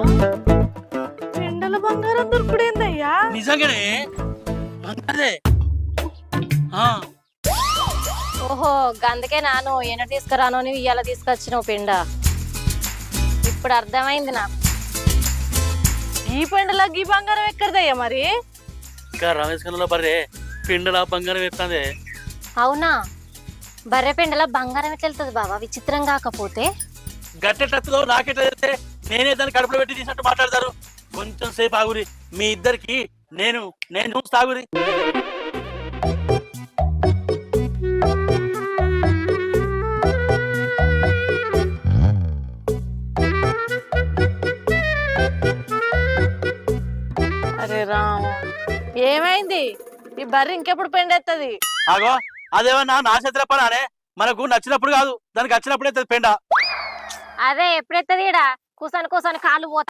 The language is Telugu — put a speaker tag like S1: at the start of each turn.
S1: పెండల బంగారం దొరుకుడేందయ్యా?
S2: నిజంగానే అదే
S3: ఓహో గందుకే నాను ఎన్న తీసుకురాను అని ఇయ్యాల తీసుకొచ్చినావు పిండ. ఇప్పుడు అర్థమైంది నాకు.
S1: ఈ పెండల గీ బంగారం ఎక్కడదయ్యా మరి?
S2: ఇంకా రమేష్ కన్నా బర్రే పిండల బంగారం ఎత్తాందే.
S3: అవునా? బర్రె పిండల బంగారం ఎట్లా వెళ్తుంది బాబా? విచిత్రం కాకపోతే
S2: గట్టెట్లతో నాకెట్లా చేస్తే నేనే దాన్ని కడుపులో పెట్టి తీసినట్టు మాట్లాడతారు. కొంచెం సేపు ఆగురి, మీ ఇద్దరికి నేను నేను సాగురి.
S1: అరే రామ్, ఏమైంది? ఈ బర్రె ఇంకెప్పుడు పెండెత్తది?
S2: ఆగో అదేమన్నా నా చేతిలో పనానే, మనకు నచ్చినప్పుడు కాదు దానికి వచ్చినప్పుడే పెండ.
S3: అదే ఎప్పుడెత్తది? కూసాను కూసాను కాలు పోతా.